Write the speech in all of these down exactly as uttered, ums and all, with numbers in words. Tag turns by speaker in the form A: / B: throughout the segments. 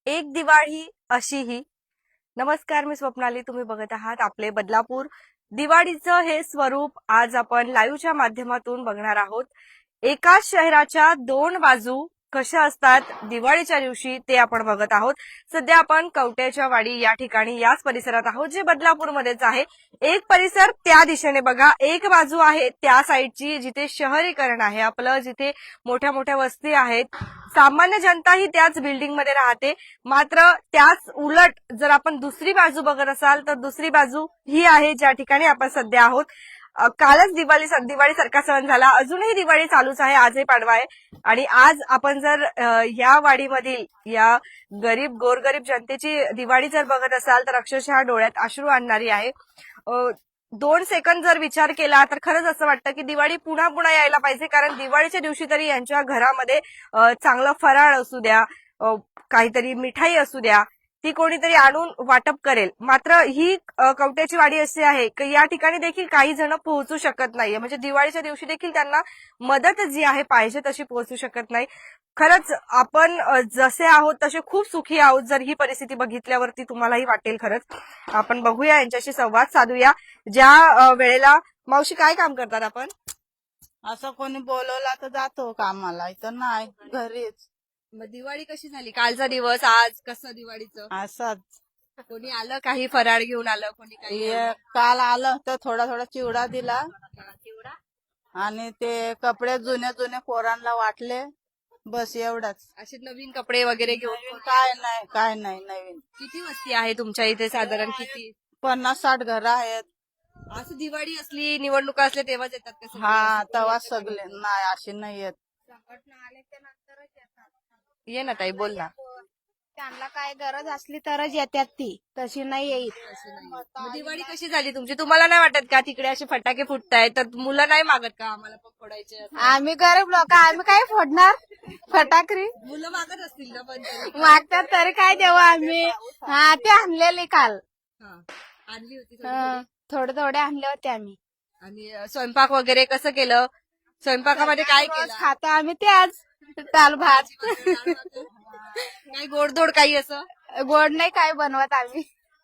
A: एक दिवाळी अशीही. नमस्कार, मी स्वप्नाली. तुम्ही बघत आहात आपले बदलापूर. दिवाळीचं हे स्वरूप आज आपण लाईव्हच्या माध्यमातून बघणार आहोत. एकाच शहराच्या दोन बाजू कशा असतात दिवाळीच्या दिवशी ते आपण बघत आहोत. सध्या आपण कवट्याच्या वाडी या ठिकाणी याच परिसरात आहोत, जे बदलापूरमध्येच आहे. एक परिसर त्या दिशेने बघा, एक बाजू आहे त्या साईडची जिथे शहरीकरण आहे आपलं, जिथे मोठ्या मोठ्या वस्ती आहेत, सामान्य जनता ही त्याच बिल्डिंगमध्ये राहते. मात्र त्याच उलट जर आपण दुसरी बाजू बघत असाल तर दुसरी बाजू ही आहे ज्या ठिकाणी आपण सध्या आहोत. अ, कालच दिवाळी दिवाळी सारखा सण झाला, अजूनही दिवाळी चालूच आहे, आजही पाडवा आहे. आणि आज आपण जर अ, या वाडीमधील या गरीब गोरगरीब जनतेची दिवाळी जर बघत असाल तर अक्षरशः डोळ्यात अश्रू आणणारी आहे. अ, दोन सेकंद जर विचार केला तर खरंच असं वाटतं की दिवाळी पुन्हा पुन्हा यायला पाहिजे, कारण दिवाळीच्या दिवशी तरी यांच्या घरामध्ये अ, चांगलं फराळ असू द्या, अ, काहीतरी मिठाई असू द्या, ती कोणीतरी आणून वाटप करेल. मात्र ही अ, कवट्याची वाडी अशी आहे की या ठिकाणी देखील काही जण पोहोचू शकत नाहीये, म्हणजे दिवाळीच्या दिवशी देखील त्यांना मदत जी आहे पाहिजे तशी पोहोचू शकत नाही. खरंच आपण अ, जसे आहोत तसे खूप सुखी आहोत. जर ही परिस्थिती बघितल्यावरती तुम्हालाही वाटेल. खरंच आपण बघूया, यांच्याशी संवाद साधूया. ज्या अ, वेळेला मावशी काय काम करतात आपण?
B: असं कोणी बोलवला तर जातो कामाला, इथं नाही, घरीच.
A: मग दिवाळी कशी झाली? कालचा दिवस, आज कसं दिवाळीचं?
B: असंच
A: कोणी आलं, काही फराळ घेऊन आलं, कोणी काही
B: हे काल आलं तर थोडा थोडा चिवडा दिला
A: चिवडा?
B: आणि ते कपडे जुने जुने पोरांना वाटले, बस एवढंच.
A: असे नवीन कपडे वगैरे घेऊन
B: नवीन काय नाही, काय नाही नवीन.
A: किती वस्ती आहे तुमच्या इथे साधारण? किती?
B: पन्नास साठ घरं आहेत.
A: असं दिवाळी असली, निवडणुका असल्या तेव्हाच येतात का सगळे?
B: हा, तेव्हा सगळे नाही, अशी नाही येत.
A: ये ना ताई, बोल ना.
C: त्यांना काय गरज असली तरच येतात, ती तशी नाही येईल.
A: मग दिवाळी कशी झाली तुमची? तुम्हाला नाही वाटत का तिकडे असे फटाके फुटतायत तर मुलं नाही मागत का आम्हाला पण फोडायचे असं?
C: आम्ही गरीब लोक, आम्ही काय फोडणार फटाकरी?
A: मुलं मागत असतील ना पण तरी.
C: मागतात तरी काय देऊ आम्ही. हा, ते आणलेले काल.
A: हा, आणली होती थोडी
C: हं,
A: थोडी.
C: थोडे थोडे आणले होते आम्ही.
A: आणि अ, स्वयंपाक वगैरे कसं केलं? स्वयंपाकामध्ये काय
C: रोज
A: केलं?
C: खातो आम्ही ते आज दाल भात.
A: काही गोडधोड काही असं?
C: गोड नाही काय बनवत आम्ही.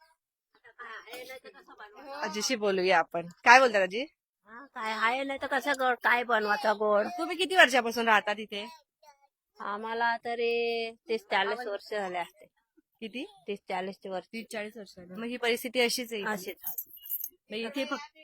A: आजीशी बोलूया आपण. काय बोलतात आजी?
D: हा, काय आहे नाही तर कसं गोड काय बनवायचं गोड.
A: तुम्ही किती वर्षापासून राहता तिथे?
D: आम्हाला तरी तीस चाळीस वर्ष झाले असते.
A: किती?
D: तीस चाळीस वर्ष
A: तीस चाळीस वर्ष. मग ही परिस्थिती अशीच आहे इथे?
D: अशीच.
A: मग इथे फक्त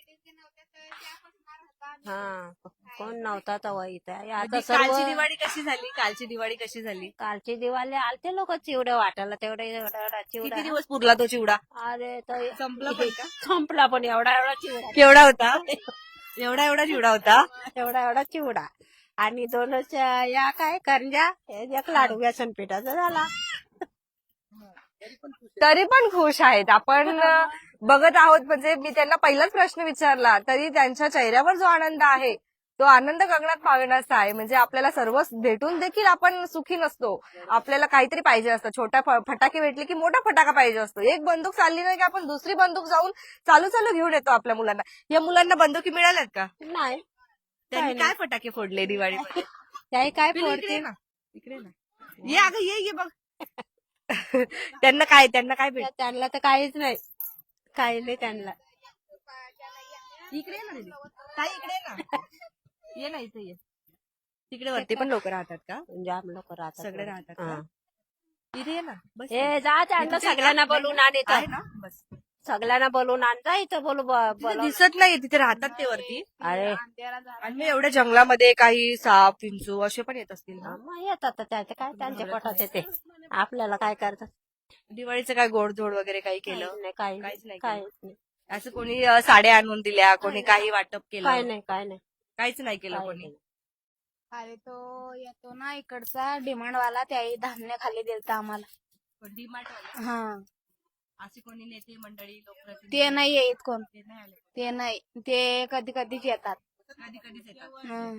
D: हा, कोण नव्हता तेव्हा इथं. आता
A: म्हणजे
D: सर्व
A: कालची दिवाळी कशी झाली? कालची दिवाळी कशी झाली?
D: कालची दिवाळी आलते लोक चिवडे वाटायला, तेवढे एवढा एवढा
A: किती
D: चिवडा.
A: दिवस पुरला तो चिवडा?
D: अरे तो
A: संपला पण का?
D: संपला पण एवढा एवढा चिवडा.
A: केवढा होता? एवढा एवढा चिवडा होता?
D: एवढा एवढा चिवडा आणि दोनच या काय करंजा, एक लाडू बेसन पिठाचा झाला.
A: तरी पण खुश आहेत. आपण अ, बघत आहोत. म्हणजे मी त्यांना पहिलाच प्रश्न विचारला तरी त्यांच्या चेहऱ्यावर जो आनंद आहे तो आनंद गगनात पावण्याचा आहे. म्हणजे आपल्याला सर्व भेटून देखील आपण सुखी नसतो. आपल्याला काहीतरी पाहिजे असतं. छोटा फ- फटाके भेटले की मोठा फटाका पाहिजे असतो. एक बंदूक चालली नाही की आपण दुसरी बंदूक जाऊन चालू चालू घेऊन येतो आपल्या मुलांना. या मुलांना बंदुकी मिळाल्यात का?
D: नाही
A: त्यांनी काय फटाके फोडले दिवाळीमध्ये?
D: त्याही काय
A: पिलू, इकडे
D: फोडते
A: ये ना. इकडे ये ना. ये अगं, ये ये बघ. त्यांना काय त्यांना काय भेट?
D: त्यांना तर काहीच नाही, काही नाही त्यांना.
A: इकडे ये ना दीदी. ताई, इकडे ये ना. ये ना, इथे ये. तिकडे वरती पण लोक राहतात का?
D: जाम लोक राहतात.
A: सगळे राहतात का?
D: हा.
A: इथे ये ना, बस.
D: हे जा त्यांना
A: इथे
D: सगळ्यांना
A: नाही,
D: बोलून आण
A: आहे
D: इथं.
A: ना, बस.
D: सगळ्यांना बोलून आण जा इथं. बोलू ब-
A: तिथे
D: बोलव.
A: दिसत नाही, तिथे राहतात ते वरती.
D: अरे
A: आणि मग एवढ्या जंगलामध्ये काही साप विंचू असे पण येत असतील ना?
D: मग येतात तर त्याचे काय त्यांच्या पोटात येते, आपल्याला काय करतात.
A: दिवाळीचं काय गोडधोड वगैरे काही केलं?
D: काहीच नाही, काही
A: काहीच नाही
D: नाही,
A: केलं.
D: काहीच नाही,
A: असं कोणी अ, साड्या आणून दिल्या, कोणी काही वाटप
D: काय
A: केलं?
D: नाही, काय नाही,
A: काहीच नाही केलं
D: काही
A: कोणी.
D: नाही.
C: अरे तो येतो ना इकडचा डिमांड वाला, त्याही धान्य खाली दिलता आम्हाला.
A: डीमार्ट वाले
C: हा,
A: असे कोणी नेते मंडळी लोकप्रतिनिधी
C: ते नाही येत कोण.
A: ते नाही आले?
C: ते नाही, ते कधी कधीच येतात.
A: कधी कधीच येतात.
C: हं.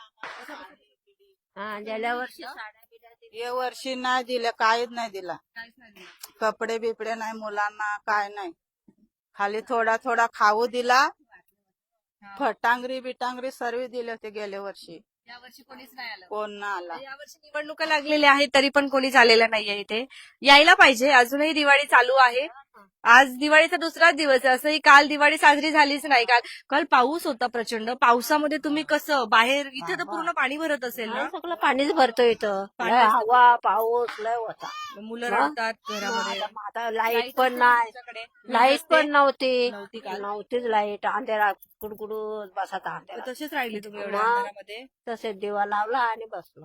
D: हा, गेल्या वर्षी साड्या बिड्या दिल्या.
B: या वर्षी नाही दिलं, काहीच नाही दिला.
A: काहीच नाही दिलं.
B: कपडे बिपडे नाही मुलांना, काय नाही. खाली थोडा थोडा खाऊ दिला. फटांगरी बिटांगरी सर्व दिले होते गेल्या वर्षी.
A: यावर्षी कोणीच नाही आलं.
B: कोण ना आला.
A: यावर्षी निवडणुका लागलेल्या आहेत तरी पण कोणी आलेलं नाहीये इथे. यायला पाहिजे. अजूनही दिवाळी चालू आहे. आज दिवाळीचा दुसराच दिवस आहे. असंही काल दिवाळी साजरी झालीच नाही. काल काल पाऊस होता प्रचंड. पावसामध्ये तुम्ही कसं बाहेर, इथे तर पूर्ण पाणी भरत असेल ना.
D: सगळं पाणीच भरतो इथं.
A: पाणी
D: लय
A: असतं.
D: हवा पाऊस लय होता.
A: मुलं
D: हा?
A: रडतात घरामध्ये.
D: आता आता लाईट पण नाही.
A: तुमच्याकडे
D: लाईट पण नव्हती
A: नव्हती काल.
D: नव्हतीच लाईट. अंधेरा कुडकुडून बसायचा अंधेरा.
A: तसेच राहिले तुम्ही एवढ्या
D: हा.
A: अंधारामध्ये.
D: तसेच दिवा लावला आणि बसलो.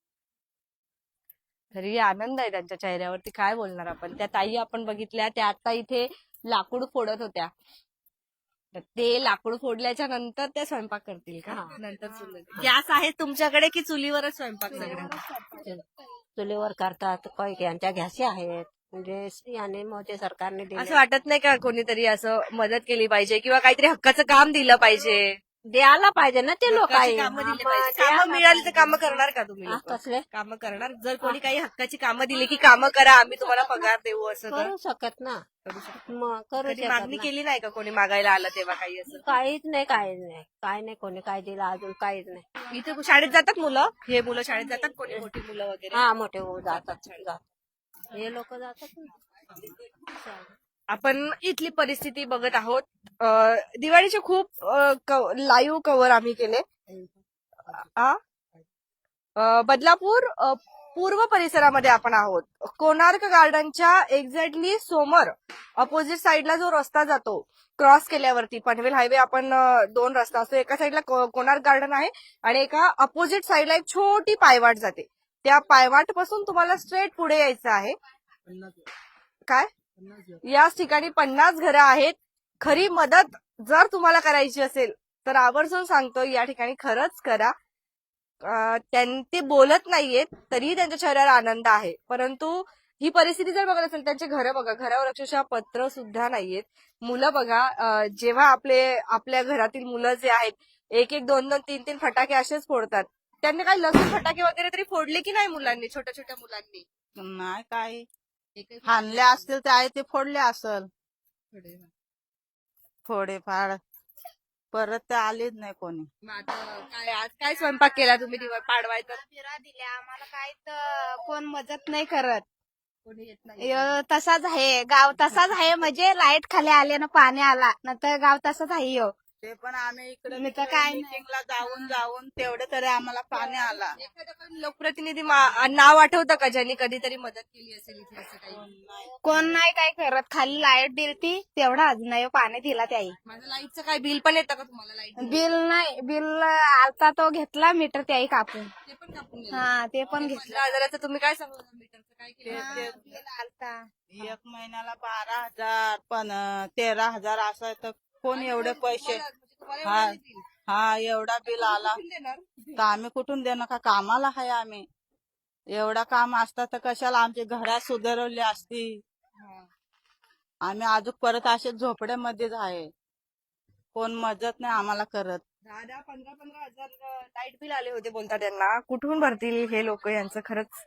A: तरी आनंद आहे त्यांच्या चेहऱ्यावरती. काय बोलणार आपण. त्या ताई आपण बघितल्या, त्या आता इथे लाकूड फोडत होत्या. तर ते लाकूड फोडल्याच्या नंतर त्या स्वयंपाक करतील का?
D: हा.
A: नंतर चुलीवर. गॅस आहे तुमच्याकडे की चुलीवरच स्वयंपाक सगळं?
D: चुलीवर करतात. काही यांच्या घ्याशी आहेत. म्हणजे याने मोदी सरकारने
A: असं
D: दिले.
A: वाटत नाही का कोणीतरी असं मदत केली पाहिजे किंवा काहीतरी हक्काचं काम दिलं पाहिजे?
D: द्यायला पाहिजे ना ते लोक
A: हक्काची कामं दिली पाहिजे. कामं मिळाली तर कामं करणार का तुम्ही लोकं?
D: कसले
A: कामं करणार? जर कोणी काही हक्काची कामं दिली की कामं करा, आम्ही तुम्हाला पगार देऊ, असं तर
D: करू शकत ना.
A: करू शकतो.
D: मग करू
A: कधी
D: शकत
A: मागणी
D: ना.
A: केली नाही का कोणी मागायला आलं तेव्हा काही असं?
D: काहीच नाही काहीच नाही काय नाही कोणी काय दिलं अजून काहीच नाही.
A: इथे शाळेत जातात मुलं? हे मुलं शाळेत जातात, कोणी मोठी मुलं वगैरे?
D: हा मोठे भाऊ जातात जातात. हे लोक जातात ना.
A: आपण इथली परिस्थिती बघत आहोत. अं, दिवाळीचे खूप लाईव्ह कव्हर आम्ही केले. आ? अं, बदलापूर अं, पूर्व परिसरामध्ये आपण आहोत. कोणार्क गार्डनच्या एक्झॅक्टली समोर अपोजिट साईडला जो रस्ता जातो, क्रॉस केल्यावरती पनवेल हायवे, आपण अं, दोन रस्ता असतो. एका साईडला को- कोणार्क गार्डन आहे आणि एका अपोजिट साईडला एक छोटी पायवाट जाते. त्या पायवाट पासून तुम्हाला स्ट्रेट पुढे यायचं आहे. काय? याच ठिकाणी पन्नास घरं आहेत. खरी मदत जर तुम्हाला करायची असेल तर आवर्जून सांगतो, या ठिकाणी खरंच करा. अं, त्यां- ते बोलत नाहीयेत तरीही त्यांच्या चेहऱ्यावर आनंद आहे. परंतु ही परिस्थिती जर बघत असेल, त्यांचे घरं बघा, घरावर अक्षरशः पत्र सुद्धा नाहीयेत. मुलं बघा, अं, जेव्हा आपले आपल्या घरातील मुलं जे आहेत एक एक दोन दोन तीन तीन फटाके असेच फोडतात. त्यांनी काही लसूण फटाके वगैरे तरी फोडले की नाही मुलांनी, छोट्या छोट्या मुलांनी?
B: नाही काय हाणले असतील ते आहे ते फोडले असल थोडेफार. परत ते आलेच नाही कोणी.
A: मग आता काय, आज काय स्वयंपाक केला तुम्ही दिवा पाडवायचा?
C: फिरा दिल्या आम्हाला काय तर कोण मदत नाही करत.
A: कोणी येत नाही.
C: य, तसाच आहे गाव, तसाच आहे. म्हणजे लाईट खाली आले ना पाणी आला नंतर गाव तसाच आहे. यो
B: ते पण आम्ही इकडे
C: मी तर काय नाही.
B: मीटिंगला जाऊन जाऊन तेवढे तरी आम्हाला पाणी आला.
A: एखादं पण लोकप्रतिनिधी मा- नाव आठवतं का ज्यांनी कधीतरी मदत केली असेल इथे असं काही?
C: कोण नाही काय करत. खाली लाईट दिलती तेवढा अजून नाही पाणी दिला त्याई.
A: माझं लाईटचं काय बिल पण येतं का तुम्हाला? लाईट
C: बिल नाही, बिल आलता तो घेतला मीटर त्याई कापून.
A: ते पण कापून गेलं.
C: हा ते पण घेतलं.
A: पंधरा हजाराचं तुम्ही काय सांगू मीटरचं काय केलं?
C: हा, बिल आलता.
B: एक महिन्याला बारा हजार पण तेरा हजार असं आहे तर कोण एवढे पैसे.
A: तुम्हाला
B: हा
A: एवढं देतील.
B: हा एवढा बिल आला
A: कुठून देणार?
B: तर आम्ही कुठून देणार का? कामाला आहे आम्ही. एवढा काम असता तर कशाला आमची घरात सुधारवली असती.
A: हा.
B: आम्ही अजून परत असे झोपड्यामध्येच आहे. कोण मदत नाही आम्हाला करत.
A: दहा दहा पंधरा पंधरा हजार लाईट बिल आले होते बोलतात त्यांना. कुठून भरतील हे लोक? यांचं खरंच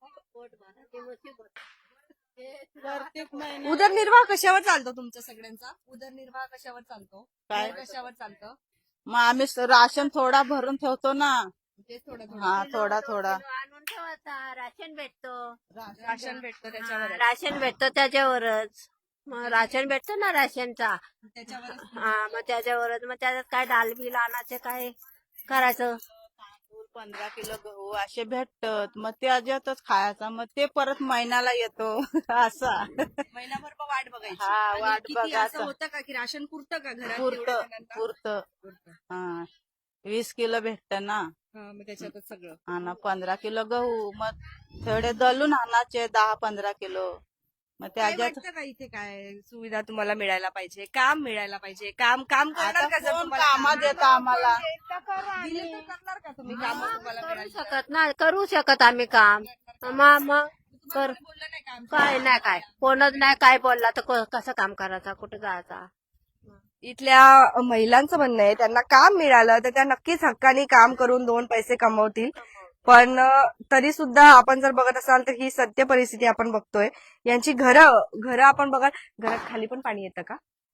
B: प्रत्येक महिन्यात
A: उदरनिर्वाह कशावर चालतो तुमचा सगळ्यांचा? उदरनिर्वाह कशावर चालतो?
B: काय?
A: घर कशावर चालतं?
B: मग आम्ही राशन थोडा भरून ठेवतो ना.
A: ते थोडं थोडं.
B: हा थोडा थोडा
D: आणून ठेवायचा. राशन भेटतो.
A: राशन भेटतं त्याच्यावर.
D: राशन भेटतो त्याच्यावरच. मग राशन भेटतो ना राशनचा.
A: त्याच्यावर
D: हा मग त्याच्यावरच. मग त्याच्यात काय डाल बिल आणायचं काय करायचं.
B: तांदूळ पंधरा किलो गहू असे भेटतात. मग त्याच्यातच खायचा. मग ते परत महिन्याला येतो असा.
A: महिनाभर मग वाट बघायची.
B: हा,
A: आणि
B: वाट
A: किती असं
B: बघायचं.
A: होतं का की राशन पुरतं का घरात?
B: पुरत
A: एवढ्या जणांना?
B: पुरत
A: पुरतं.
B: हा वीस किलो भेटत ना.
A: हा, मग त्याच्यातच सगळं.
B: आणि पंधरा किलो गहू. मग थोडे दलून आणायचे दहा पंधरा किलो. मग
A: काय
B: त्याच्यात
A: वाटतं का इथे काय सुविधा तुम्हाला मिळायला पाहिजे? काम मिळायला पाहिजे? काम काम करणार
B: आता
A: का? जर
B: कोण
A: तुम्हाला
B: कामात
A: काम
B: येतं आम्हाला.
A: दिले तर करणार का तुम्ही? काम तुम्हाला
D: करू
A: मिळाली तर?
D: शकत ना करू शकत आम्ही काम. मग मग कर
A: कोणी बोललं नाही काम?
D: काय नाही काय कोणच नाही काय बोलला तर क- कसं काम करायचं कुठं जायचा.
A: इथल्या महिलांचं म्हणणं आहे त्यांना काम मिळालं तर त्या नक्कीच हक्काने काम करून दोन पैसे कमवतील. पण तरी सुद्धा आपण जर बघत असाल तर ही सत्य परिस्थिती आपण बघतोय. यांची घरं घरं आपण बघा, घरात खाली पण पाणी येतं का?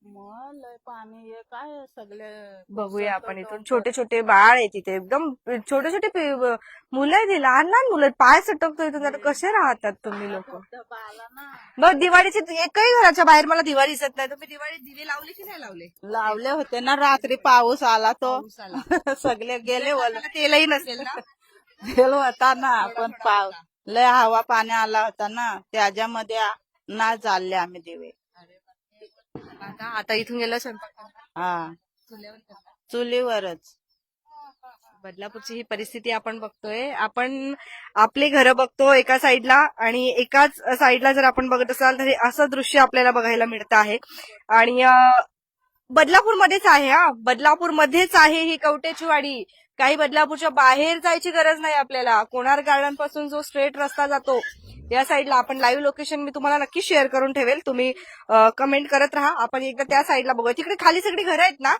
B: मग लय पाणी हे काय सगळे
A: बघूया आपण इथून छोटे छोटे बाळ आहे तिथे एकदम छोटे छोटे पि- मुलं आहेत, लहान लहान मुलं आहेत. पाय सटकतो इथून आता कसे राहतात तुम्ही लोक?
B: धबधबा आला ना.
A: मग दिवाळीचे एकही घराच्या बाहेर मला दिवाळी दिसत नाही. तुम्ही दिवाळी दिवे लावले की नाही लावले?
B: लावले होते ना रात्री पाऊस आला तो सगळे गेले वल
A: तेलही नसेल ना?
B: गेलो होता ना पण पाऊस लय हवा पाणी आला होता ना त्याच्यामध्ये आ- नाही चालले आम्ही दिवे.
A: आता आता इथून गेलं स्वयंपाक करायला?
B: हा
A: चुल्यावर करणार?
B: चुलीवरच.
A: बदलापूरची ही परिस्थिती आपण बघतोय. आपण आपले घरं बघतो एका साईडला आणि एकाच साईडला जर आपण बघत असाल तर हे असं दृश्य आपल्याला बघायला मिळतं आहे. आणि अं, बदलापूरमध्येच आहे हा, बदलापूरमध्येच आहे ही कवटेची वाडी. काही बदलापूरच्या बाहेर जायची गरज नाही आपल्याला. कोणार गार्डन पासून जो स्ट्रेट रस्ता जातो या साईडला आपण लाईव्ह लोकेशन मी तुम्हाला नक्की शेअर करून ठेवेल. तुम्ही कमेंट करत राहा. आपण एकदा त्या साईडला बघूया. तिकडे खाली सगळी घरं आहेत ना?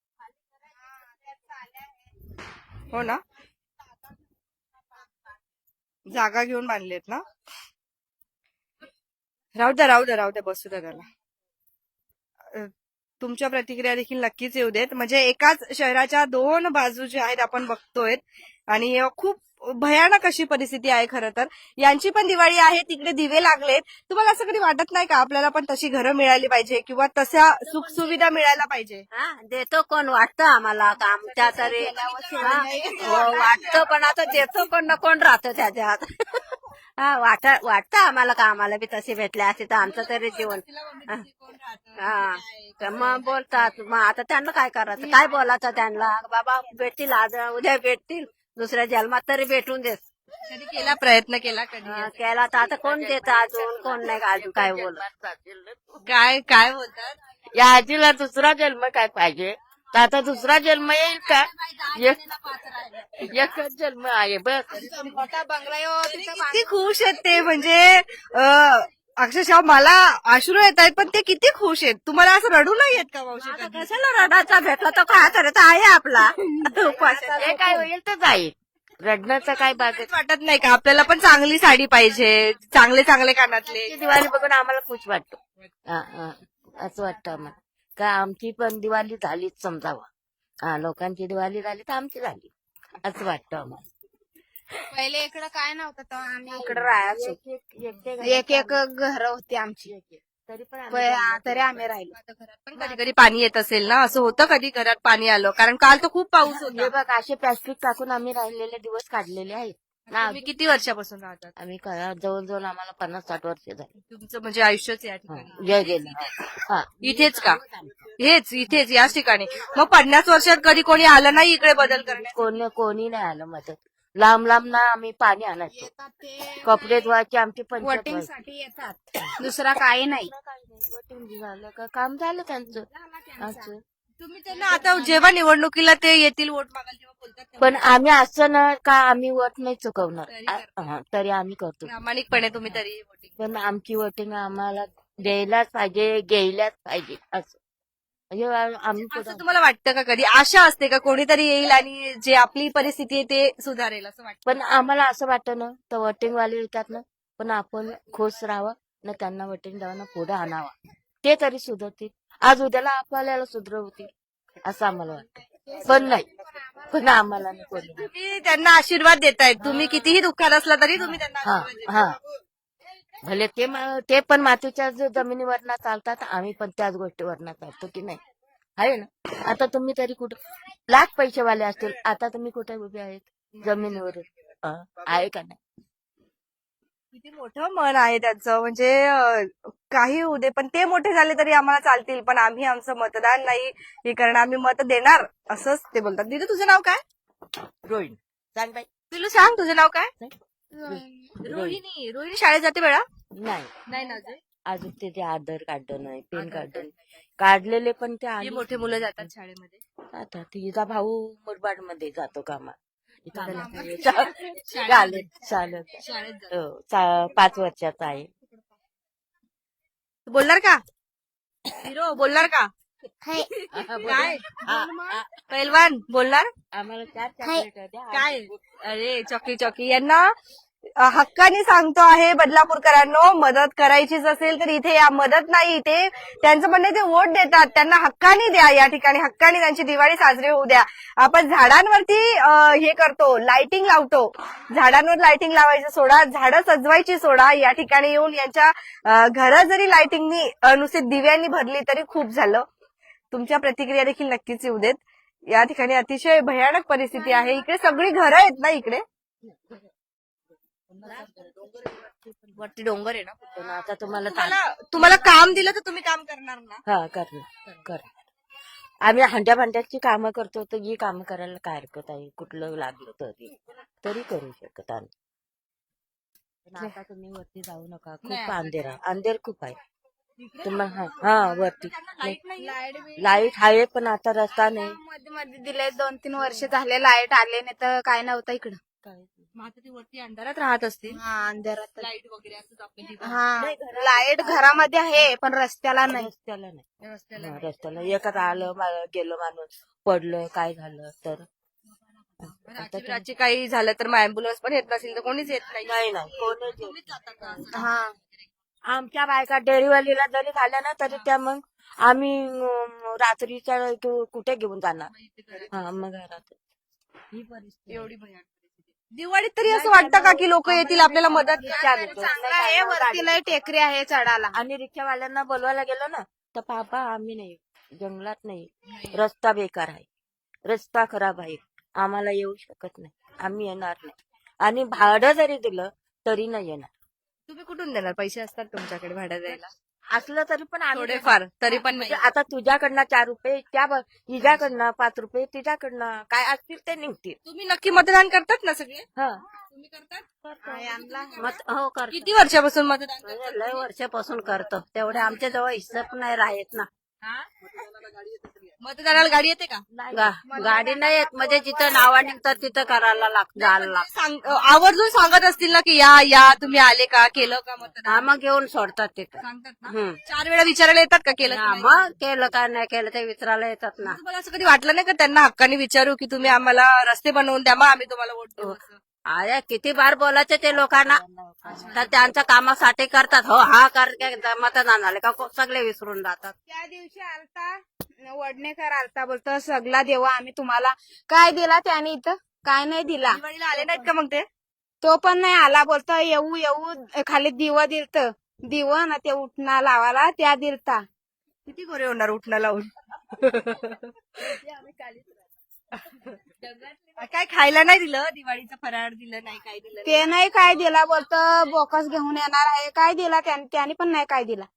A: हो ना, जागा घेऊन बांधलेत ना? राहू द्या राहू द्या राहू द्या बसू द्या त्याला. अ, तुमच्या प्रतिक्रिया देखील नक्कीच येऊ देत. म्हणजे एकाच शहराच्या दोन बाजू ज्या आहेत आपण बघतोय आणि अ, खूप भयानक अशी परिस्थिती आहे खरं तर. यांची पण दिवाळी आहे, तिकडे दिवे लागलेत. तुम्हाला असं कधी वाटत नाही का आपल्याला पण तशी घरं मिळाली पाहिजे किंवा तशा सुख सुविधा मिळायला पाहिजे?
D: हा देतो कोण वाटतं आम्हाला का आमच्या तरी हा, हो, वाटतं पण आता देतो कोण ना कोण राहतं त्याच्यात. हा वाट वाटतं आम्हाला का आम्हाला बी तसे भेटले असते तर आमचं तरी जीवन हा हा. तर मग बोलतात मग आता त्यांना काय करायचं काय बोलायचं त्यांना बाबा भेटतील आज उद्या भेटतील दुसऱ्या जन्मात तरी भेटून देत.
A: कधी केला प्रयत्न केला कधी?
D: हा, केला तर आता कोण देतं अजून कोण नाही का अजून काय बोलत.
A: काय काय बोलतात?
E: या आजीला दुसरा जन्म काय पाहिजे तर आता दुसरा जन्म येईल का? एक- एकच जन्म आहे बस.
C: मोठा बंगला
A: किती खुश आहेत ते. म्हणजे अ, अक्षरशः मला अश्रू येत आहेत पण ते किती खुश आहेत. तुम्हाला असं रडू नाही येत का मावशी
D: आता
A: कधी?
D: कशाला रडाचा भेटला तो काय तर आहे आपला उपास.
E: हे काय होईल तर जाईल. रडण्याचं काय बागत.
A: काहीच वाटत नाही का आपल्याला पण चांगली साडी पाहिजे, चांगले चांगले कानातले?
E: दिवाळी बघून आम्हाला खुश वाटतो. हा, हा. असं वाटतं आम्हाला का आमची पण दिवाळी झालीच समजावं. हा लोकांची दिवाळी झाली तर आमची झाली असं वाटतं आम्हाला.
C: पहिले इकडं काय नव्हतं तेव्हा आम्ही इकडं
D: राहायचो
C: एक एक घर होती आमची
E: तरी पण आम्ही
C: प- तरी आम्ही राहिलो.
A: पण कधी कधी पाणी येत असेल ना, असं होतं कधी घरात पाणी आलं? कारण काल तर खूप पाऊस
E: हे
A: होता.
E: बघ असे प्लास्टिक टाकून आम्ही राहिलेले दिवस काढलेले आहेत ना.
A: तुम्ही किती वर्षापासून राहतात?
E: आम्ही का- जवळजवळ आम्हाला पन्नास साठ वर्ष झाली.
A: तुमचं म्हणजे आयुष्यच या
E: हा,
A: ठिकाणी
E: जय गेलं. हा
A: इथेच का? हेच इथेच याच ठिकाणी. मग पन्नास वर्षात कधी कोणी आलं नाही इकडे बदल करण्यात?
E: कोणी कोणी नाही आलं मदत. लांब लांब ना आम्ही पाणी आणायचो. कपडे धुवायचे आमची पंचायत
C: वोटिंग
E: व्हायची.
C: साठी येतात दुसरा काही नाही.
E: वोटिंग झालं का काम झालं त्यांचं असं.
A: तुम्ही त्यांना आता जेव्हा निवडणुकीला ते येतील वोट मागायला तेव्हा बोलतात तेव्हा
E: पण आम्ही असं ना का आम्ही वोट नाही चुकवणार. आ- हा, तरी आम्ही करतो.
A: प्रामाणिकपणे तुम्ही तरी वोटिंग.
E: पण आमची वोटिंग आम्हाला द्यायलाच पाहिजे घ्यायलाच पाहिजे असं म्हणजे आम्ही
A: असं
E: पुढं-
A: तुम्हाला वाटतं का कधी आशा असते का कोणीतरी येईल आणि जे आपली परिस्थिती आहे ते सुधारेल असं वाटतं?
E: पण आम्हाला असं वाटतं ना तर वोटिंग वाले येतात ना पण आपण खुश राहावं ना त्यांना वोटिंग द्यावं ना पुढे आणावं ते तरी सुधरतील. आज उद्याला आपल्याला सुधरवतील असं आम्हाला वाटतं. पण नाही पण आम्हाला नाही कोणी.
A: तुम्ही त्यांना आशीर्वाद देतायत. तुम्ही कितीही दुःखात असला तरी तुम्ही त्यांना
E: हा
A: आशीर्वाद देताय.
E: हा भले ते मा- ते पण मातीच्या ज- जमिनीवरनं चालतात आम्ही पण त्याच गोष्टीवरनं चालतो की नाही आहे ना. आता तुम्ही तरी कुठं लाख पैसेवाले असतील आता तुम्ही कुठे उभे आहेत जमिनीवर आहे का नाही.
A: किती मोठं मन आहे त्याचं. म्हणजे अं, काही होऊ दे पण ते मोठे झाले तरी आम्हाला चालतील पण आम्ही आमचं मतदान नाही हे कारण आम्ही मत देणार असंच ते बोलतात. दिदू तुझं नाव काय?
E: रोहिणी सांग बाई.
A: दिलू सांग तुझं नाव काय?
E: रोहिणी
A: रोहिणी. रोहिणी शाळेत जाते बेळा?
E: नाही
A: नाही ना अजून.
E: अजून ते ते आधार कार्ड नाही पेन कार्ड नाही. काढलेले पण ते
A: जे
E: आले
A: मोठे मुलं जातात शाळेमध्ये.
E: आता तिचा भाऊ मुरबाड मध्ये जातो कामा
A: शाळेत
E: चालेल चालेल
A: शाळेत जातात.
E: हो, चा- पाच वर्षाचा आहे.
A: तू बोलणार का? हिरो बोलणार का?
E: हा,
A: काय
E: हा, हा.
A: पैलवान बोलणार?
E: आम्हाला चार चॉकलेट द्या.
A: काय? अरे चॉकी चॉकी यांना अ, हक्काने सांगतो आहे बदलापूरकरांनो, मदत करायचीच असेल तर इथे या. मदत नाही, इथे त्यांचं म्हणणं आहे ते वोट देतात, त्यांना हक्काने द्या. या ठिकाणी हक्काने त्यांची दिवाळी साजरी होऊ द्या. आपण झाडांवरती अ, हे करतो, लाइटिंग लावतो. झाडांवर लाइटिंग लावायचं सोडा, झाडं सजवायची सोडा. या ठिकाणी येऊन यांच्या अ, घरं जरी लाइटिंगनी अ, नुसती दिव्यांनी भरली तरी खूप झालं. तुमच्या प्रतिक्रिया देखील नक्कीच येऊ देत. या ठिकाणी अतिशय भयानक परिस्थिती आहे. इकडे सगळी घरं आहेत ना इकडे.
E: वरती डोंगर आहे ना पण आता तुम्हाला ता-
A: तुम्हाला तुम्हाला काम दिलं तर तुम्ही काम करणार ना?
E: हा करणार करणार आम्ही हंड्या भांड्याची कामं करतो तर ही कामं करायला काय हरकत आहे, कुठलं लागलं तरी तरी करू शकत आम्ही. पण आता तुम्ही वरती जाऊ नका, खूप अंधेर आहे, अंधेर खूप आहे तुम्हाला. हा हा वरती लाईट आहे पण आता रस्ता नाही.
C: मध्ये मध्ये दिले दोन तीन वर्ष झाले लाईट आले नाही तर काय नव्हतं इकडं.
A: मग आता ती वरती अंधारात राहत असतील.
C: हा अंधारात.
A: लाईट वगैरे असंच आपल्या ठिकाणी.
C: हा लाईट घरामध्ये आहे पण रस्त्याला नाही.
E: रस्त्याला नाही.
A: रस्त्याला
E: हा, रस्त्याला एकच आलं मा- गेलं माणूस पडलं काय झालं तर
A: रात्री रात्री काही झालं तर मग अँब्युलन्स पण येत नसेल तर कोणीच येत नाही.
E: नाही नाही कोणच येत नाही.
C: हा
E: आमच्या बायका डेअरीवालीला जरी झाल्या ना तरी त्या मग आम्ही अं, रात्रीच्या कु- कुठे घेऊन जाणार. हा मग घरात ही परिस्थिती
A: एवढी भयानक परिस्थिती. दिवाळीत तरी असं वाटतं का की लोक येतील आपल्याला मदत
E: विचारतो.
C: चांगलं आहे वरती लय टेकरी आहे चढाला.
E: आणि रिक्षावाल्यांना बोलवायला गेलो ना तर पापा आम्ही नाही, जंगलात नाही, रस्ता बेकार आहे, रस्ता खराब आहे, आम्हाला येऊ शकत नाही, आम्ही येणार नाही. आणि भाडं जरी दिलं तरी नाही येणार.
A: तुम्ही कुठून देणार? पैसे असतात तुमच्याकडे भाडं द्यायला?
E: असलं तरी पण आम्ही
A: थोडेफार तरी पण नाही.
E: म्हणजे आता तुझ्याकडनं चार रुपये त्या ब- हिच्याकडनं पाच रुपये तिच्याकडनं काय असतील ते निघतील.
A: तुम्ही नक्की मतदान करतात ना सगळे?
E: हा
A: तुम्ही करतात?
D: मत हो करतो.
A: किती वर्षापासून मतदान करतात?
D: लय वर्षापासून करतो तेवढे आमच्या जवळ हिस्साप नाही राहत ना.
A: मतदानाला गाडी येते का?
D: गा- गाडी नाही येत म्हणजे जिथं नावा निघतात तिथं करायला लागतं जायला लागतं.
A: सांग- आवर्जून सांगत असतील ना की या या तुम्ही आले का, केलं का मतदान?
D: हा मग घेऊन सोडतात तिथं.
A: सांगतात ना.
D: हम्म.
A: चार वेळा विचारायला येतात का केलं की
D: हा,
A: नाही?
D: मग केलं का नाही केलं ते विचारायला येतात ना.
A: तुम्हाला असं कधी वाटलं नाही का त्यांना हक्काने विचारू की तुम्ही आम्हाला रस्ते बनवून द्या, मग आम्ही तुम्हाला वोट देऊ असं?
D: अरे किती बार बोलायचं ते लोकांना तर त्यांच्या कामासाठी करतात. हो हा कर मतदान आले का को- सगळे विसरून जातात.
C: त्या दिवशी आलता वडनेकर आलता बोलतो सगळा देवा आम्ही तुम्हाला. काय दिला त्याने इथं? काय नाही दिला.
A: दिवाळीला आले नाहीत का मग ते?
C: तो पण नाही आला बोलतो येऊ येऊ खाली दिवा दिलत दिव ना ते उठणा लावायला त्या दिलता.
A: किती गोरे होणार उठणं लावून? काय खायला नाही दिलं? दिवाळीचं फराळ दिलं नाही, काय दिलं नाही?
C: ते नाही काय दिला बोलतो बोकस घेऊन येणार आहे. काय दिला त्याने त्याने पण नाही काय दिला.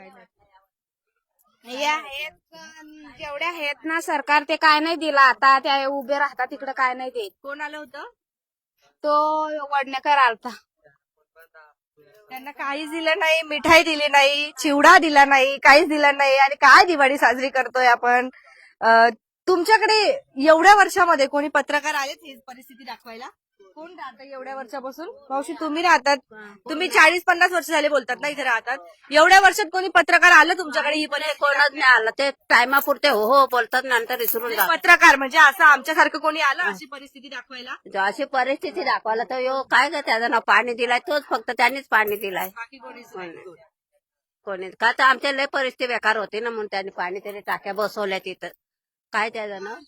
C: या आहेत जेवढ्या आहेत ना सरकार ते काय नाही दिला. आता त्या उभे राहतात तिकडे काय नाही देत.
A: कोण आलं होतं?
C: तो वडनेकर आलता.
A: त्यांना काहीच दिलं नाही, मिठाई दिली नाही, चिवडा दिला नाही, काहीच दिलं नाही. आणि काय दिवाळी साजरी करतोय आपण? अं, तुमच्याकडे एवढ्या वर्षामध्ये कोणी पत्रकार आलेत ही परिस्थिती दाखवायला? कोण राहतं एवढ्या वर्षापासून? मावशी तुम्ही राहतात, तुम्ही चाळीस पन्नास वर्ष झाले बोलतात ना इथे राहतात. एवढ्या वर्षात कोणी पत्रकार आलं तुमच्याकडे ही परिस्थिती?
D: कोणच नाही आलं ते टायमापुरते हो हो बोलतात नंतर विसरून जातात.
A: पत्रकार म्हणजे असं आमच्यासारखं कोणी आलं अशी परिस्थिती दाखवायला?
D: अशी परिस्थिती दाखवायला तर यो काय ग त्याचं नाव पाणी दिलाय तोच फक्त त्यांनीच पाणी दिलाय.
A: बाकी कोणीच नाही.
D: कोणी का तर आमच्या लय परिस्थिती बेकार होती ना म्हणून त्यांनी पाणी तरी टाक्या बसवल्या तिथं. काय त्याचं नाव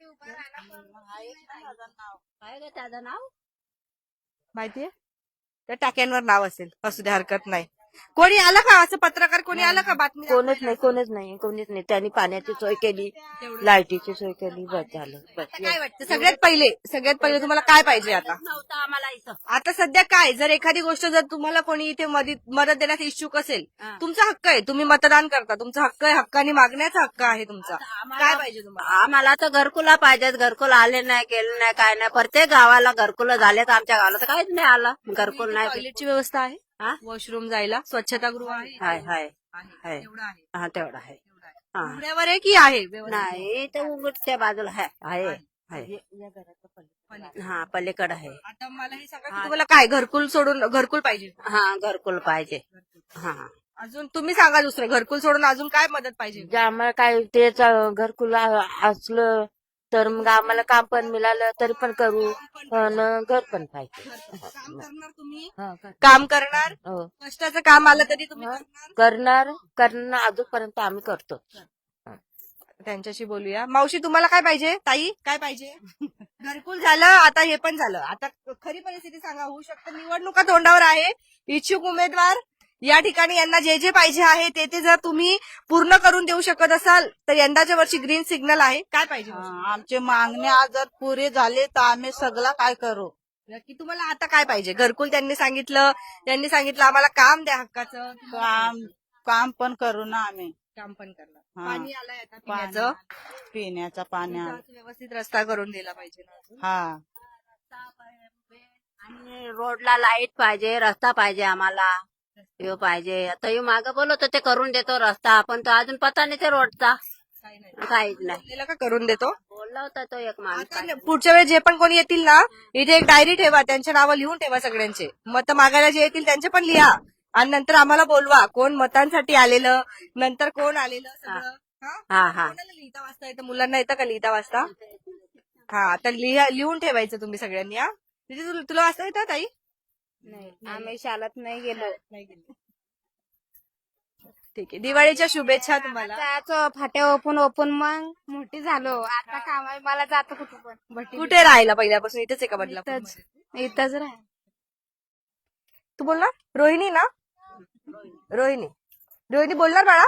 D: काय ग त्याचं नाव
A: माहितीये? त्या टाक्यांवर नाव असेल, असू दे हरकत नाही. कोणी आलं का असं पत्रकार? कोणी आलं का बातमी
E: कोणच नाही, कोणच नाही, कोणीच नाही. त्यांनी पाण्याची सोय केली, लाईटीची सोय केली, बस झालं बस.
A: काय वाटतं सगळ्यात पहिले सगळ्यात पहिले तुम्हाला काय पाहिजे आता?
D: नव्हतं आम्हाला इथं.
A: आता सध्या काय, जर एखादी गोष्ट जर तुम्हाला कोणी इथे मदत मदत देण्यास इच्छुक असेल, तुमचा हक्क आहे, तुम्ही मतदान करता, तुमचा हक्क आहे, हक्काने मागण्याचा हक्क आहे तुमचा. काय पाहिजे तुम्हाला?
D: आम्हाला तर घरकुला पाहिजेत. घरकुल आले नाही गेले नाही काय नाही. प्रत्येक गावाला घरकुल झालेत. आमच्या गावाला तर काहीच नाही आलं घरकुल नाही.
A: टॉयलेटची व्यवस्था आहे?
D: हा?
A: वॉशरूम जायला स्वच्छतागृह आहे?
D: हाय हाय
A: आहे.
D: आहे.
A: एवढं आहे.
D: हा तेवढा आहे. हा
A: उघड्यावर आहे की आहे व्यवस्था?
D: नाही ते उघडच्या बाजूला आहे आहे आहे.
E: या घराचं पलीकडे.
D: हा पलीकडे आहे.
A: आता मला हे सांगा की तुम्हाला काय घरकुल सोडून घरकुल पाहिजे?
D: हा घरकुल पाहिजे. हा
A: अजून तुम्ही सांगा दुसरं घरकुल सोडून अजून काय मदत पाहिजे?
E: जे आम्हाला काय तेच घरकुल असलं तर मग आम्हाला काम पण मिळालं तरी पण करू आणि घर पण पाहिजे.
A: काम करणार तुम्ही,
E: हा, कर-
A: काम करणार,
E: हो.
A: कष्टाचं काम आलं तरी तुम्ही
E: हा.
A: करणार.
E: करणार करणार अजूनपर्यंत आम्ही करतो.
A: त्यांच्याशी बोलूया. मावशी तुम्हाला काय पाहिजे? ताई काय पाहिजे? घरकुल झालं, आता हे पण झालं. आता खरी परिस्थिती सांगा, होऊ शकतं निवडणुका तोंडावर आहे, इच्छुक उमेदवार या ठिकाणी यांना जे जे पाहिजे आहे ते ते जर तुम्ही पूर्ण करून देऊ शकत असाल तर यंदाच्या वर्षी ग्रीन सिग्नल आहे. काय पाहिजे मावशी?
B: हा, आमचे मागण्या जर पुरे झाले तर आम्ही सगळं काय करू.
A: नक्की तुम्हाला आता काय पाहिजे? घरकुल त्यांनी सांगितलं, त्यांनी सांगितलं आम्हाला काम द्या हक्काचं.
B: काम काम पण करू ना आम्ही.
A: काम पण करणार.
B: हा.
A: पाणी आलंय आता
B: पाणी-
A: पिण्याचं.
B: पिण्याचा पाण्या
A: व्यवस्थित रस्ता करून दिला पाहिजे ना अजून.
B: हा
D: आणि रोडला लाईट पाहिजे, रस्ता पाहिजे आम्हाला. यो पाहिजे. आता यो मागं बोलवतो ते करून देतो रस्ता, आपण तो अजून पता नाही ते रोडचा
A: काही नाही.
D: काहीच नाही.
A: बोललेलं का करून देतो.
D: बोलला होता तो एक माणूस.
A: आता न- पुढच्या वेळेस जे पण कोणी येतील ना, इथे एक डायरी ठेवा, त्यांचे नावं लिहून ठेवा सगळ्यांचे. मत मागायला जे येतील त्यांचे पण लिहा आणि नंतर आम्हाला बोलवा कोण मतांसाठी आलेलं, नंतर कोण आलेलं सगळं. हा?
D: हा हा
A: कोणाला लिहिता वाचता येतं? मुलांना येतं का लिहिता वाचता? हा, तर लिहा लिहून ठेवायचं तुम्ही सगळ्यांनी. हा, तिथे तुला तुला वाचता येतं ताई?
C: नाही आम्ही शाळेत नाही गेलो.
A: नाही गेली. ठीक आहे. दिवाळीच्या शुभेच्छा तुम्हाला.
C: जायचो फाट्या ओपून ओपून मग मोठी झालो. आता कामा मला जातो कुठे पण भट्टी-
A: कुठे राहिला पहिल्यापासून? इथेच आहे का बदलापूर?
C: इथंच इथंच राह.
A: तू बोलणार? रोहिणी ना? रोहिणी रोहिणी बोलणार बाळा?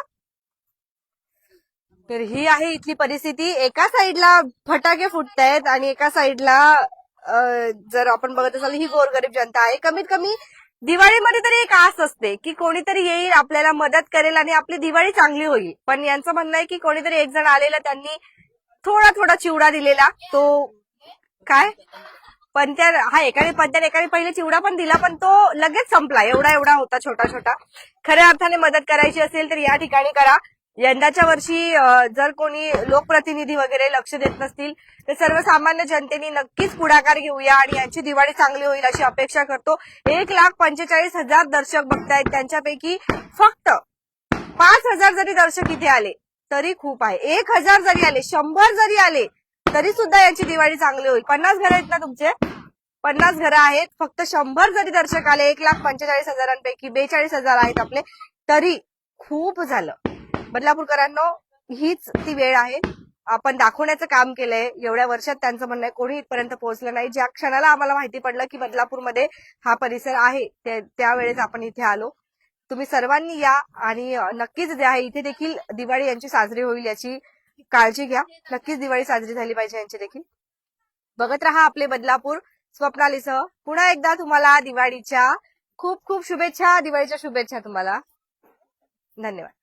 A: तर ही आहे इथली परिस्थिती. एका साईडला फटाके फुटतायत आणि एका साईडला अं, जर आपण बघत असाल ही गोरगरीब जनता आहे. कमीत कमी दिवाळीमध्ये तरी एक आस असते की कोणीतरी येईल, आपल्याला मदत करेल आणि आपली दिवाळी चांगली होईल. पण यांचं म्हणणं आहे की कोणीतरी एक जण आलेला, त्यांनी थोडा थोडा चिवडा दिलेला. तो काय पंत्या हा एकाने पंत्या एकाने पहिले चिवडा पण दिला, पण तो लगेच संपला. एवढा एवढा होता, छोटा छोटा. खऱ्या अर्थाने मदत करायची असेल तर या ठिकाणी करा. यंदाच्या वर्षी अं, जर कोणी लोकप्रतिनिधी वगैरे लक्ष देत नसतील तर सर्वसामान्य जनतेने नक्कीच पुढाकार घेऊया आणि यांची दिवाळी चांगली होईल अशी अपेक्षा करतो. एक लाख पंचेचाळीस हजार दर्शक बघतायत, त्यांच्यापैकी फक्त पाच हजार जरी दर्शक इथे आले तरी खूप आहे. एक हजार जरी आले, शंभर जरी आले तरी सुद्धा यांची दिवाळी चांगली होईल. पन्नास घर आहेत ना तुमचे? पन्नास घरं आहेत. फक्त शंभर जरी दर्शक आले, एक लाख पंचेचाळीस हजारांपैकी बेचाळीस हजार आहेत आपले, तरी खूप झालं. बदलापूरकरांनो, हीच ती वेळ आहे. आपण दाखवण्याचं काम केलंय एवढ्या वर्षात. त्यांचं म्हणणं आहे कोणी इथपर्यंत पोहोचलं नाही. ज्या क्षणाला आम्हाला माहिती पडलं की बदलापूरमध्ये हा परिसर आहे त्या- त्यावेळेस आपण इथे आलो. तुम्ही सर्वांनी या आणि नक्कीच जे आहे इथे देखील दिवाळी यांची साजरी होईल याची काळजी घ्या. नक्कीच दिवाळी साजरी झाली पाहिजे यांची देखील. बघत रहा आपले बदलापूर. स्वप्नालीसह पुन्हा एकदा तुम्हाला दिवाळीच्या खूप खूप शुभेच्छा. दिवाळीच्या शुभेच्छा तुम्हाला. धन्यवाद.